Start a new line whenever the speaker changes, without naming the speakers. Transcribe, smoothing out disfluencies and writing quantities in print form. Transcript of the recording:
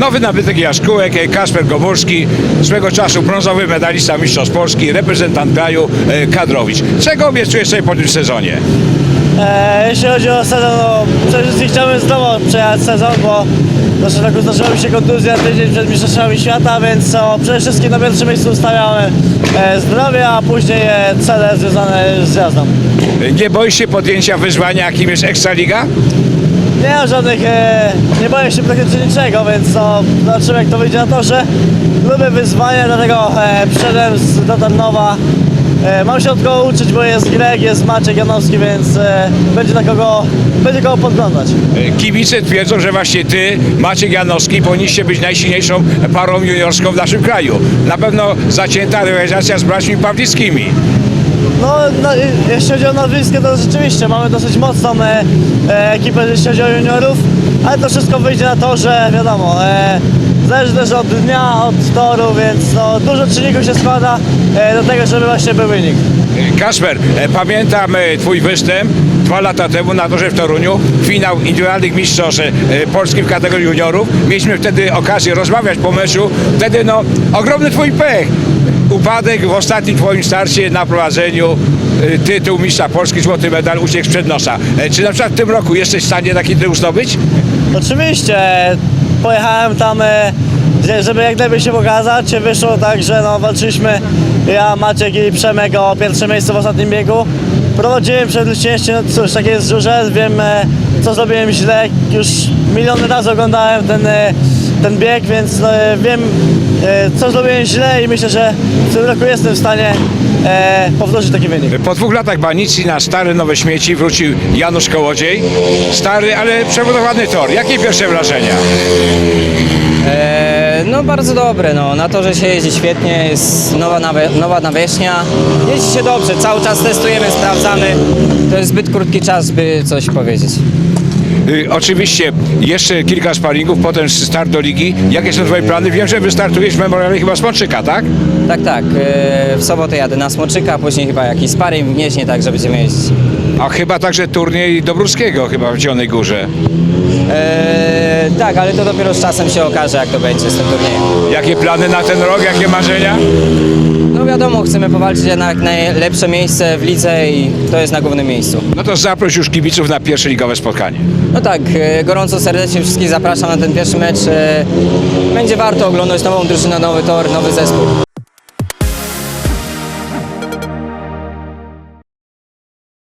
Nowy nabytek Jaskółek, Kasper Gomurski, swego czasu brązowy medalista mistrzostw Polski, reprezentant kraju, kadrowicz. Czego obiecujesz sobie po tym sezonie?
Jeśli chodzi o sezon, no przede wszystkim chciałbym zdrowo przejechać sezon, bo w zeszłym roku zdarzyła mi się kontuzja tydzień przed Mistrzostwami Świata, więc przede wszystkim na pierwszym miejscu ustawiamy zdrowie, a później cele związane z jazdą.
Nie boisz się podjęcia wyzwania, jakim jest Ekstraliga?
Nie mam żadnych, nie boję się praktycznie niczego, więc zobaczymy, jak to wyjdzie na torze. Lubię wyzwania, dlatego przyszedłem do Tarnowa. Mam się od kogo uczyć, bo jest Greg, jest Maciek Janowski, więc będzie kogo podglądać.
Kibice twierdzą, że właśnie ty, Maciek Janowski, powinniście być najsilniejszą parą juniorską w naszym kraju. Na pewno zacięta rywalizacja z braćmi Pawlickimi.
No, jeśli chodzi o nazwisko, to rzeczywiście mamy dosyć mocną ekipę, jeśli chodzi o juniorów, ale to wszystko wyjdzie na to, że wiadomo, zależy też od dnia, od toru, więc no, dużo czynników się składa do tego, żeby właśnie był wynik.
Kasper, pamiętam twój występ 2 lata temu na torze w Toruniu, finał indywidualnych mistrzostw Polski w kategorii juniorów. Mieliśmy wtedy okazję rozmawiać po meczu, wtedy no ogromny twój pech. Upadek w ostatnim twoim starcie na prowadzeniu, tytuł mistrza Polski, złoty medal uciekł sprzed nosa. Czy na przykład w tym roku jesteś w stanie taki tytuł zdobyć?
Oczywiście, pojechałem tam, żeby jak najlepiej się pokazać, wyszło tak, że no, walczyliśmy ja, Maciek i Przemek o pierwsze miejsce w ostatnim biegu. Prowadziłem przed Leciejściem, no cóż, takie jest żurze, wiem co zrobiłem źle, już miliony razy oglądałem ten bieg, więc wiem co zrobiłem źle i myślę, że w tym roku jestem w stanie powtórzyć taki wynik.
Po 2 latach banicji na stare nowe śmieci wrócił Janusz Kołodziej. Stary, ale przebudowany tor. Jakie pierwsze wrażenia?
No bardzo dobre, no. Na torze się jeździ świetnie, jest nowa nawierzchnia. Jeździ się dobrze, cały czas testujemy, sprawdzamy. To jest zbyt krótki czas, by coś powiedzieć.
Oczywiście jeszcze kilka sparingów, potem start do ligi. Jakie są twoje plany? Wiem, że wystartujesz w memoriale chyba Smoczyka, tak?
Tak. W sobotę jadę na Smoczyka, później chyba jakiś sparring w Gnieźnie, tak, że będziemy jeździć.
A chyba także turniej Dobruskiego chyba w Zielonej Górze.
Tak, ale to dopiero z czasem się okaże, jak to będzie z tym turniejem.
Jakie plany na ten rok? Jakie marzenia?
No wiadomo, chcemy powalczyć na jak najlepsze miejsce w lidze i to jest na głównym miejscu.
No to zaproś już kibiców na pierwsze ligowe spotkanie.
No tak, gorąco serdecznie wszystkich zapraszam na ten pierwszy mecz. Będzie warto oglądać nową drużynę, nowy tor, nowy zespół.